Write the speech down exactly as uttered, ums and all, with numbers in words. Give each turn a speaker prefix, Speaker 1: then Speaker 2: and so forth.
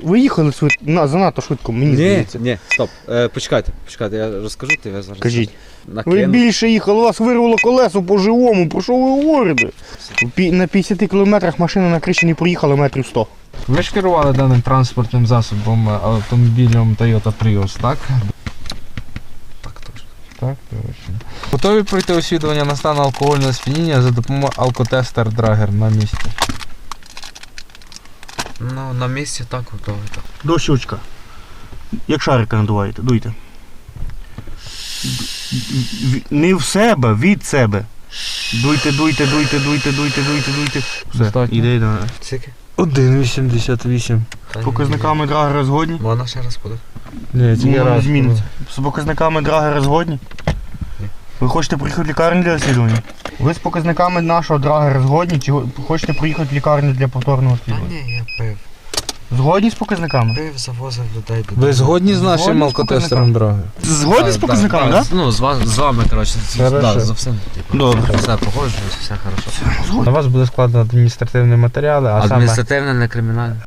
Speaker 1: ви їхали швид... на, занадто швидко, мені
Speaker 2: Ні,
Speaker 1: здається.
Speaker 2: ні, стоп. Е, почекайте, почекайте, я розкажу, ти я зараз.
Speaker 1: Кажіть.
Speaker 2: Накину.
Speaker 1: Ви більше їхали, у вас вирвало колесо по живому, про що ви говорите? Пі- На п'ятдесят кілометрах машина на криші не проїхала метрів сто.
Speaker 3: Ви ж керували даним транспортним засобом автомобілем Toyota Prius, так?
Speaker 2: Так, точно.
Speaker 3: Так, точно. Готові пройти освідування на стан алкогольного сп'яніння за допомогою алкотестер Драгер на місці?
Speaker 2: Ну, на місці так готовий, так.
Speaker 1: До щучка. Як шарика надуваєте, дуйте. Не в себе, від себе. Дуйте, дуйте, дуйте, дуйте, дуйте, дуйте, дуйте. Все,
Speaker 3: Достатньо.
Speaker 1: іде, іде.
Speaker 2: Скільки?
Speaker 3: один вісімдесят вісім.
Speaker 1: З показниками драгера згодні?
Speaker 2: Можна ще раз буде?
Speaker 3: Ні, тільки
Speaker 1: Воно не
Speaker 3: раз.
Speaker 1: зміниться. З показниками драгера згодні? Ви хочете приїхати в лікарню для освідування? Ви з показниками нашого драгера згодні, чи хочете приїхати в лікарню для повторного
Speaker 2: Та
Speaker 1: освідування?
Speaker 2: ні, я пив.
Speaker 1: Згодні з показниками?
Speaker 2: Пив, завозив людей додому.
Speaker 3: Ви згодні з
Speaker 1: Згодні
Speaker 3: нашим
Speaker 1: з
Speaker 3: алкотестером Драгер?
Speaker 1: Згодні з показниками, так?
Speaker 2: Ну, з, ва- з вами, коротше, з,
Speaker 3: Хорошо.
Speaker 2: да, за всім. Типу.
Speaker 1: Добре.
Speaker 2: Все погоджуюсь, все хорошо.
Speaker 3: На вас буде складено адміністративні матеріали, а саме
Speaker 2: Адміністративне, не кримінальне.